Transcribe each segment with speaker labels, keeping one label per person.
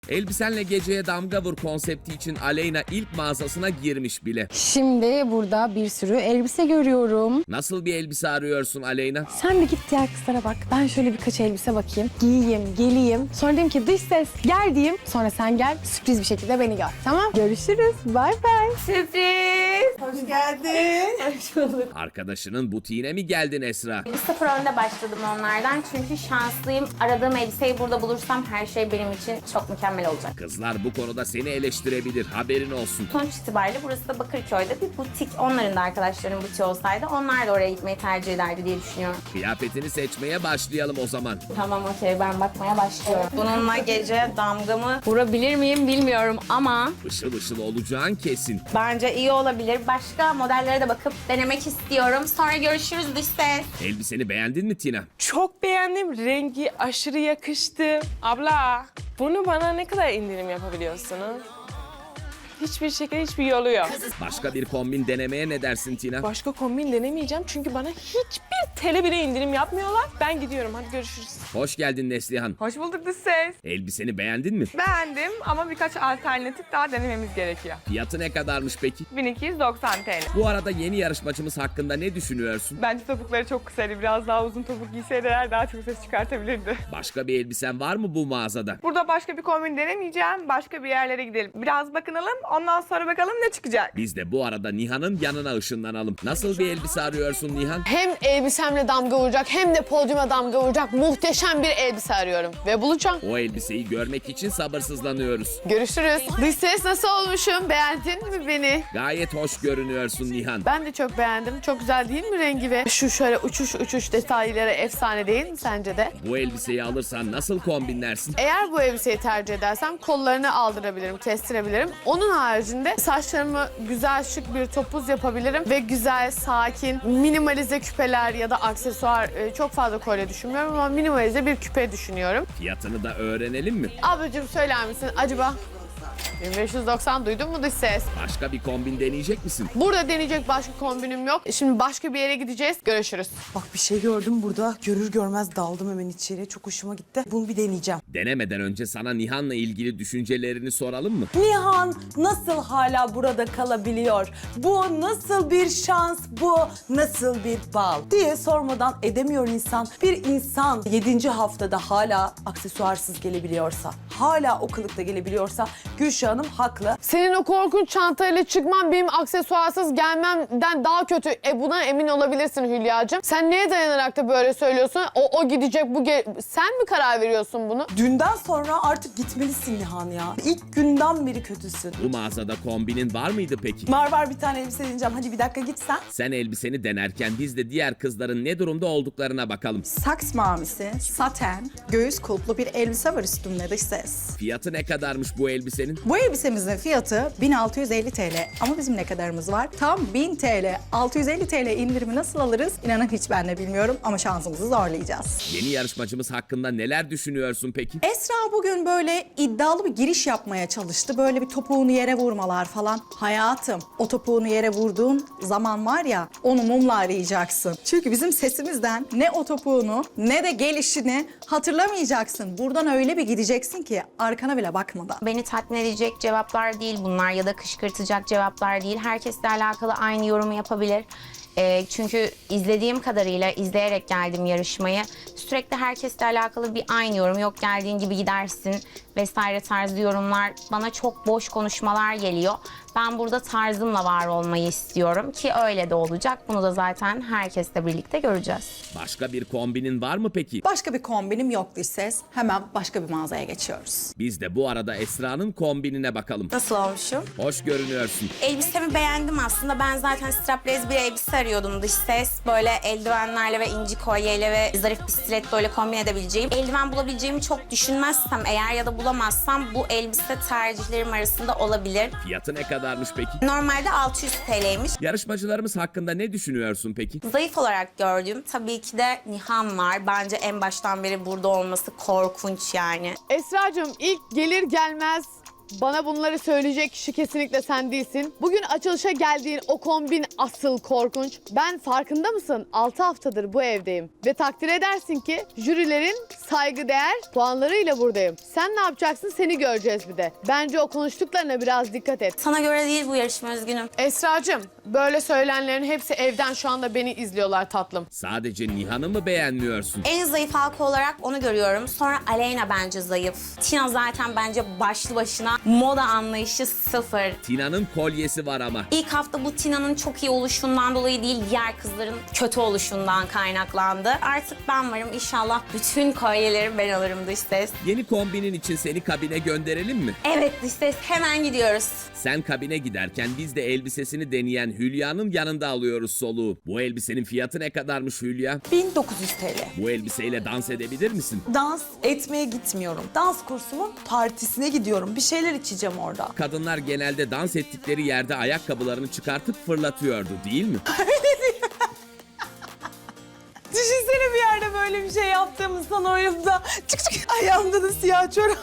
Speaker 1: Elbisenle geceye damga vur konsepti için Aleyna ilk mağazasına girmiş bile.
Speaker 2: Şimdi burada bir sürü elbise görüyorum.
Speaker 1: Nasıl bir elbise arıyorsun Aleyna?
Speaker 2: Sen bir git diğer kızlara bak. Ben şöyle birkaç elbise bakayım. Giyeyim, geleyim. Sonra diyeyim ki dış ses gel diyeyim. Sonra sen gel sürpriz bir şekilde beni gör. Tamam? Görüşürüz. Bay bay.
Speaker 3: Sürpriz.
Speaker 4: Hoş geldin.
Speaker 3: Hoş bulduk.
Speaker 1: Arkadaşının butiğine mi geldin Esra?
Speaker 3: Bir sıfır önde başladım onlardan çünkü şanslıyım. Aradığım elbiseyi burada bulursam her şey benim için çok mükemmel olacak.
Speaker 1: Kızlar bu konuda seni eleştirebilir, haberin olsun.
Speaker 3: Sonuç itibariyle burası da Bakırköy'de bir butik. Onların da arkadaşlarının butiği olsaydı onlar da oraya gitmeyi tercih ederdi diye düşünüyorum.
Speaker 1: Kıyafetini seçmeye başlayalım o zaman.
Speaker 3: Tamam okey, ben bakmaya başlıyorum. Bununla gece damgamı vurabilir miyim bilmiyorum ama
Speaker 1: Işıl ışıl olacağın kesin.
Speaker 3: bence iyi olabilir. Başka modellere de bakıp denemek istiyorum. Sonra görüşürüz dış ses.
Speaker 1: Elbiseni beğendin mi Tina?
Speaker 5: Çok beğendim. Rengi aşırı yakıştı. Abla, bunu bana ne kadar indirim yapabiliyorsunuz? Hiçbir şekilde hiçbir yolu yok.
Speaker 1: Başka bir kombin denemeye ne dersin Tina?
Speaker 5: Başka kombin denemeyeceğim çünkü bana hiçbir TL bile indirim yapmıyorlar. Ben gidiyorum. Hadi görüşürüz.
Speaker 1: Hoş geldin Neslihan.
Speaker 6: Hoş bulduk dış ses.
Speaker 1: Elbiseni beğendin mi?
Speaker 6: Beğendim ama birkaç alternatif daha denememiz gerekiyor.
Speaker 1: Fiyatı ne kadarmış peki?
Speaker 6: 1290 TL.
Speaker 1: Bu arada yeni yarışmacımız hakkında ne düşünüyorsun?
Speaker 6: Bence topukları çok kısaydı. Biraz daha uzun topuk giyseydiler daha çok ses çıkartabilirdi.
Speaker 1: Başka bir elbisen var mı bu mağazada?
Speaker 6: Burada başka bir kombin denemeyeceğim. Başka bir yerlere gidelim. Biraz bakınalım. Ondan sonra bakalım ne çıkacak.
Speaker 1: Biz de bu arada Nihan'ın yanına ışınlanalım. Nasıl bir elbise arıyorsun Nihan?
Speaker 2: Hem elbisemle damga vuracak hem de podyuma damga vuracak muhteşem bir elbise arıyorum. Ve bulacağım.
Speaker 1: O elbiseyi görmek için sabırsızlanıyoruz.
Speaker 2: Görüşürüz. Dış ses nasıl olmuşum? Beğendin mi beni?
Speaker 1: Gayet hoş görünüyorsun Nihan.
Speaker 2: Ben de çok beğendim. Çok güzel değil mi rengi ve şu şöyle uçuş detayları efsane değil mi sence de?
Speaker 1: Bu elbiseyi alırsan nasıl kombinlersin?
Speaker 2: Eğer bu elbiseyi tercih edersem kollarını aldırabilirim, kestirebilirim. Onun haricinde saçlarımı güzel şık bir topuz yapabilirim ve güzel, sakin, minimalize küpeler ya da aksesuar çok fazla kolye düşünmüyorum ama minimalize bir küpe düşünüyorum.
Speaker 1: Fiyatını da öğrenelim mi?
Speaker 2: Ablacığım söyler misin acaba? 1590 duydun mu dış ses?
Speaker 1: Başka bir kombin deneyecek misin?
Speaker 2: Burada deneyecek başka kombinim yok. Şimdi başka bir yere gideceğiz. Görüşürüz.
Speaker 4: Bak bir şey gördüm burada. Görür görmez daldım hemen içeri. Çok hoşuma gitti. Bunu bir deneyeceğim.
Speaker 1: Denemeden önce sana Nihan'la ilgili düşüncelerini soralım mı?
Speaker 4: Nihan nasıl hala burada kalabiliyor? Bu nasıl bir şans? Bu nasıl bir bal? Diye sormadan edemiyor insan. Bir insan 7. haftada hala aksesuarsız gelebiliyorsa, hala o kılıkta gelebiliyorsa Gülşah Hanım haklı.
Speaker 2: Senin o korkunç çantayla çıkman benim aksesuarsız gelmemden daha kötü. Buna emin olabilirsin Hülya'cığım. Sen neye dayanarak da böyle söylüyorsun? O gidecek, sen mi karar veriyorsun bunu?
Speaker 4: Dünden sonra artık gitmelisin Nihan ya. İlk günden beri kötüsün.
Speaker 1: Bu mağazada kombinin var mıydı peki?
Speaker 4: Var bir tane elbise deneyeceğim. Hadi bir dakika git sen.
Speaker 1: Sen elbiseni denerken biz de diğer kızların ne durumda olduklarına bakalım.
Speaker 7: Saks mavisi, saten, göğüs kulplu bir elbise var üstümde dış ses.
Speaker 1: Fiyatı ne kadarmış bu elbisenin?
Speaker 7: Bu elbisemizin fiyatı 1650 TL ama bizim ne kadarımız var? Tam 1000 TL. 650 TL indirimi nasıl alırız? İnanın hiç ben de bilmiyorum ama şansımızı zorlayacağız.
Speaker 1: Yeni yarışmacımız hakkında neler düşünüyorsun peki?
Speaker 7: Esra bugün böyle iddialı bir giriş yapmaya çalıştı. Böyle bir topuğunu yere vurmalar falan. Hayatım, o topuğunu yere vurduğun zaman var ya, onu mumla arayacaksın. Çünkü bizim sesimizden ne o topuğunu ne de gelişini hatırlamayacaksın. Buradan öyle bir gideceksin ki arkana bile bakmadan.
Speaker 3: Beni tatmin edecek cevaplar değil bunlar ya da kışkırtacak cevaplar değil. Herkesle alakalı aynı yorumu yapabilir. Çünkü izlediğim kadarıyla izleyerek geldim yarışmayı. Sürekli herkesle alakalı bir aynı yorum. Yok geldiğin gibi gidersin vesaire tarzı yorumlar. Bana çok boş konuşmalar geliyor. Ben burada tarzımla var olmayı istiyorum ki öyle de olacak. Bunu da zaten herkesle birlikte göreceğiz.
Speaker 1: Başka bir kombinin var mı peki?
Speaker 7: Başka bir kombinim yok dış ses. Hemen başka bir mağazaya geçiyoruz.
Speaker 1: Biz de bu arada Esra'nın kombinine bakalım.
Speaker 3: Nasıl olmuşum?
Speaker 1: Hoş görünüyorsun.
Speaker 3: Elbisemi beğendim aslında. Ben zaten strapless bir elbise arıyordum dış ses. Böyle eldivenlerle ve inci kolyeyle ve zarif bir stiletto ile kombin edebileceğim. Eldiven bulabileceğimi çok düşünmezsem eğer ya da bulamazsam bu elbise tercihlerim arasında olabilir.
Speaker 1: Fiyatı ne kadarmış peki?
Speaker 3: Normalde 600 TL'ymiş.
Speaker 1: Yarışmacılarımız hakkında ne düşünüyorsun peki?
Speaker 3: Zayıf olarak gördüğüm tabii ki de Nihan var. Bence en baştan beri burada olması korkunç yani.
Speaker 2: Esra'cığım ilk gelir gelmez Bana bunları söyleyecek kişi kesinlikle sen değilsin. Bugün açılışa geldiğin o kombin asıl korkunç. Ben farkında mısın? 6 haftadır bu evdeyim. Ve takdir edersin ki jürilerin saygıdeğer puanlarıyla buradayım. Sen ne yapacaksın? Seni göreceğiz bir de. Bence o konuştuklarına biraz dikkat et.
Speaker 3: Sana göre değil bu yarışma, üzgünüm.
Speaker 2: Esracığım, böyle söylenenlerin hepsi evden şu anda beni izliyorlar tatlım.
Speaker 1: Sadece Nihan'ı mı beğenmiyorsun?
Speaker 3: En zayıf halka olarak onu görüyorum. Sonra Aleyna bence zayıf. Tina zaten bence başlı başına moda anlayışı sıfır.
Speaker 1: Tina'nın kolyesi var ama.
Speaker 3: İlk hafta bu Tina'nın çok iyi oluşundan dolayı değil, diğer kızların kötü oluşundan kaynaklandı. Artık ben varım. İnşallah bütün kolyeleri ben alırım dış ses.
Speaker 1: Yeni kombinin için seni kabine gönderelim mi?
Speaker 3: Evet dış ses, hemen gidiyoruz.
Speaker 1: Sen kabine giderken biz de elbisesini deneyen Hülya'nın yanında alıyoruz soluğu. Bu elbisenin fiyatı ne kadarmış Hülya?
Speaker 4: 1900 TL.
Speaker 1: Bu elbiseyle dans edebilir misin?
Speaker 4: Dans etmeye gitmiyorum. Dans kursumun partisine gidiyorum. Bir şeyler içeceğim orada.
Speaker 1: Kadınlar genelde dans ettikleri yerde ayakkabılarını çıkartıp fırlatıyordu değil mi?
Speaker 4: Düşünsene bir yerde böyle bir şey yaptığımız oyunda. Çık çık ayağımda da siyah çorap.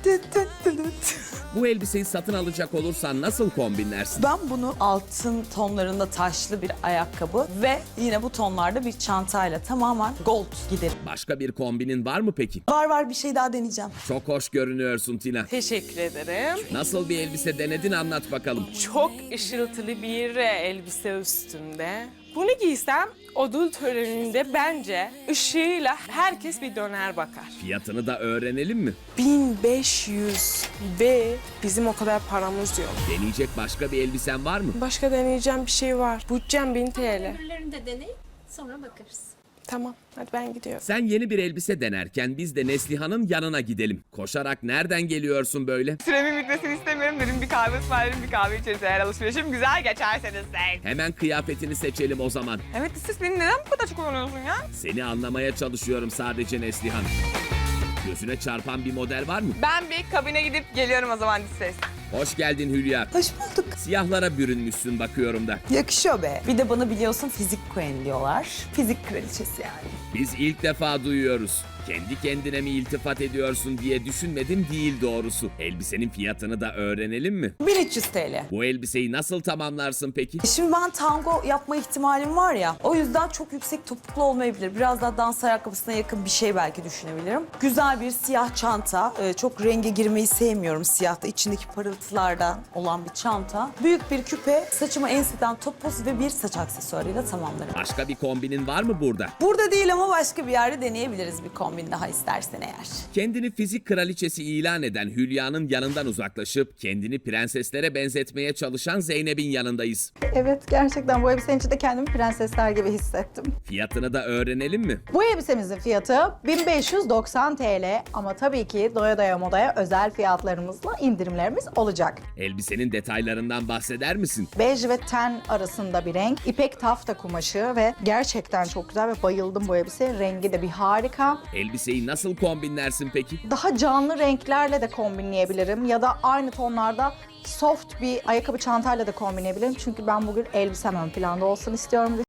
Speaker 1: Bu elbiseyi satın alacak olursan nasıl kombinlersin?
Speaker 4: Ben bunu altın tonlarında taşlı bir ayakkabı ve yine bu tonlarda bir çantayla tamamen gold giderim.
Speaker 1: Başka bir kombinin var mı peki?
Speaker 4: Var bir şey daha deneyeceğim.
Speaker 1: Çok hoş görünüyorsun Tina.
Speaker 5: Teşekkür ederim.
Speaker 1: Nasıl bir elbise denedin anlat bakalım.
Speaker 5: Çok ışıltılı bir elbise üstünde. Bunu giysem ödül töreninde bence ışığıyla herkes bir döner bakar.
Speaker 1: Fiyatını da öğrenelim mi?
Speaker 5: 1500 ve bizim o kadar paramız yok.
Speaker 1: Deneyecek başka bir elbisen var mı?
Speaker 5: Başka deneyeceğim bir şey var. Bütçem 1000 TL.
Speaker 8: Öbürlerini de deneyip sonra bakarız.
Speaker 5: Tamam, hadi ben gidiyorum.
Speaker 1: Sen yeni bir elbise denerken biz de Neslihan'ın yanına gidelim. Koşarak nereden geliyorsun böyle?
Speaker 6: Süremin bitmesini istemiyorum dedim. Bir kahve ısmarlarım, bir kahve içeriz eğer alışverişim güzel geçerseniz de.
Speaker 1: Hemen kıyafetini seçelim o zaman.
Speaker 6: Evet, siz beni neden bu kadar çok kullanıyorsun ya?
Speaker 1: Seni anlamaya çalışıyorum sadece Neslihan. Gözüne çarpan bir model var mı?
Speaker 6: Ben bir kabine gidip geliyorum o zaman ses.
Speaker 1: Hoş geldin Hülya.
Speaker 4: Hoş bulduk.
Speaker 1: Siyahlara bürünmüşsün bakıyorum da.
Speaker 4: Yakışıyor be. Bir de bana biliyorsun fizik queen diyorlar. Fizik kraliçesi yani.
Speaker 1: Biz ilk defa duyuyoruz. Kendi kendine mi iltifat ediyorsun diye düşünmedim değil doğrusu. Elbisenin fiyatını da öğrenelim mi?
Speaker 4: 1300 TL.
Speaker 1: Bu elbiseyi nasıl tamamlarsın peki?
Speaker 4: Şimdi ben tango yapma ihtimalim var ya, o yüzden çok yüksek topuklu olmayabilir. Biraz daha dans ayakkabısına yakın bir şey belki düşünebilirim. Güzel bir siyah çanta. Çok renge girmeyi sevmiyorum siyahta. İçindeki parıltılardan olan bir çanta. Büyük bir küpe, saçımı enseden topuz ve bir saç aksesuarıyla tamamlarım.
Speaker 1: Başka bir kombinin var mı burada?
Speaker 4: Burada değil ama başka bir yerde deneyebiliriz bir kombin daha istersen eğer.
Speaker 1: Kendini fizik kraliçesi ilan eden Hülya'nın yanından uzaklaşıp kendini prenseslere benzetmeye çalışan Zeynep'in yanındayız.
Speaker 7: Evet, gerçekten bu elbisenin içinde kendimi prensesler gibi hissettim.
Speaker 1: Fiyatını da öğrenelim mi?
Speaker 7: Bu elbisemizin fiyatı 1590 TL ama tabii ki doya doya modaya özel fiyatlarımızla indirimlerimiz olacak.
Speaker 1: Elbisenin detaylarından bahseder misin?
Speaker 7: Bej ve ten arasında bir renk, ipek tafta kumaşı ve gerçekten çok güzel ve bayıldım bu elbiseye. Rengi de bir harika.
Speaker 1: Elbiseyi nasıl kombinlersin peki?
Speaker 7: Daha canlı renklerle de kombinleyebilirim ya da aynı tonlarda soft bir ayakkabı çantayla da kombinleyebilirim. Çünkü ben bugün elbisem ön planda olsun istiyorum